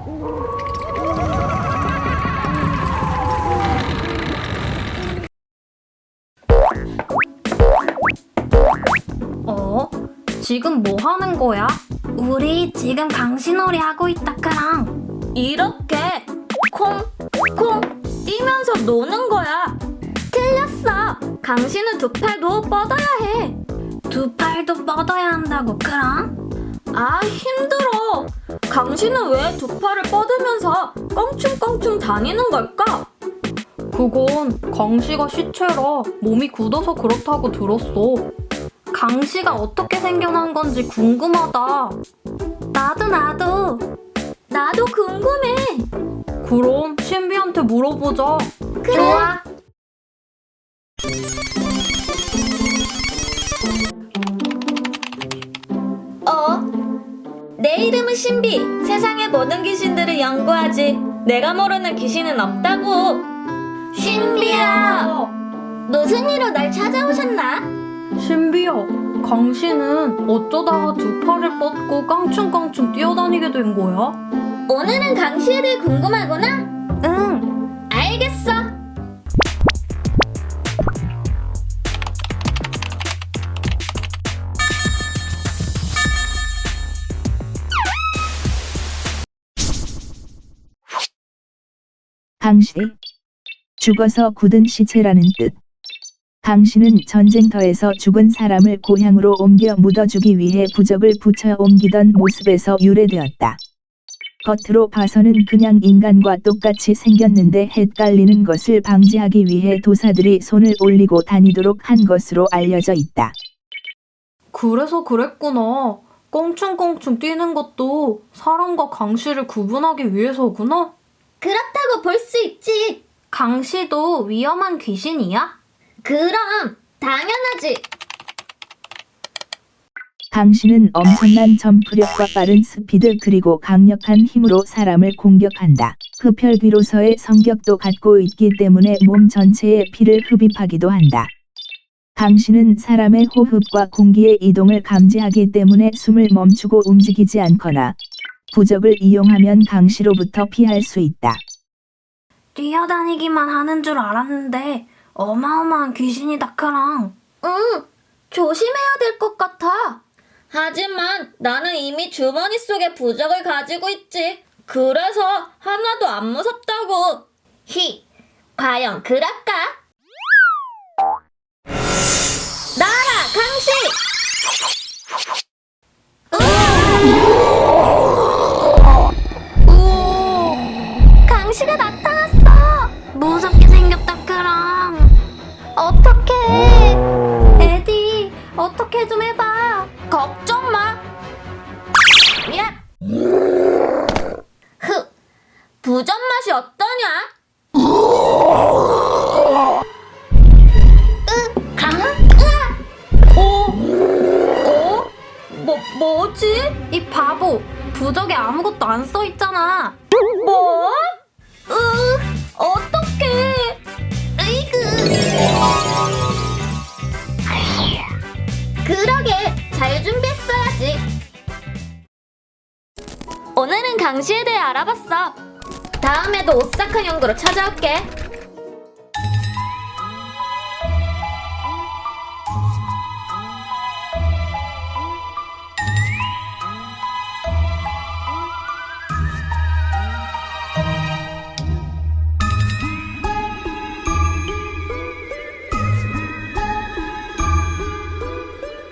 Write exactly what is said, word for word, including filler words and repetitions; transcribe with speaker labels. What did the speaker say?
Speaker 1: 어? 지금 뭐 하는 거야? 우리 지금 강신놀이 하고 있다, 크랑. 이렇게 콩, 콩 뛰면서 노는 거야. 틀렸어. 강신은 두 팔도 뻗어야 해. 두 팔도 뻗어야 한다고, 크랑? 아, 힘들어. 강신은 왜 두 팔을 뻗으면서 껑충껑충 다니는 걸까? 그건 강씨가 시체라 몸이 굳어서 그렇다고 들었어. 강씨가 어떻게 생겨난 건지 궁금하다. 나도 나도. 나도 궁금해. 그럼 신비한테 물어보자. 그래. 좋아. 어? 내 이름은 신비. 세상의 모든 귀신들을 연구하지. 내가 모르는 귀신은 없다고. 신비야. 무슨 일로 날 찾아오셨나? 신비야, 강씨는 어쩌다가 두 팔을 뻗고 깡충깡충 뛰어다니게 된 거야? 오늘은 강씨에 대해 궁금하구나? 응. 알겠어.
Speaker 2: 강씨. 죽어서 굳은 시체라는 뜻. 강씨는 전쟁터에서 죽은 사람을 고향으로 옮겨 묻어주기 위해 부적을 붙여 옮기던 모습에서 유래되었다. 겉으로 봐서는 그냥 인간과 똑같이 생겼는데 헷갈리는 것을 방지하기 위해 도사들이 손을 올리고 다니도록 한 것으로 알려져 있다.
Speaker 1: 그래서 그랬구나. 껑충껑충 뛰는 것도 사람과 강씨를 구분하기 위해서구나? 그렇다고 볼 수 있지. 강씨도 위험한 귀신이야? 그럼 당연하지.
Speaker 2: 강씨는 엄청난 점프력과 빠른 스피드 그리고 강력한 힘으로 사람을 공격한다. 흡혈귀로서의 성격도 갖고 있기 때문에 몸 전체에 피를 흡입하기도 한다. 강씨는 사람의 호흡과 공기의 이동을 감지하기 때문에 숨을 멈추고 움직이지 않거나 부적을 이용하면 강씨로부터 피할 수 있다.
Speaker 1: 뛰어다니기만 하는 줄 알았는데 어마어마한 귀신이다, 크랑. 응, 조심해야 될 것 같아. 하지만 나는 이미 주머니 속에 부적을 가지고 있지. 그래서 하나도 안 무섭다고. 히, 과연 그럴까? 나라, 강씨! 강씨가 나타났어. 무섭게 생겼다, 크랑. 어떡해. 에디, 어떻게 좀 해봐. 걱정 마. 야. 흑, 부전 맛이 어떠냐? 으, 강, 으아. 어? 어? 뭐, 뭐지? 이 바보, 부적에 아무것도 안 써있잖아. 뭐? 으, 어떡해. 으이그. 그러게, 잘 준비했어야지. 오늘은 강씨에 대해 알아봤어. 다음에도 오싹한 연구로 찾아올게.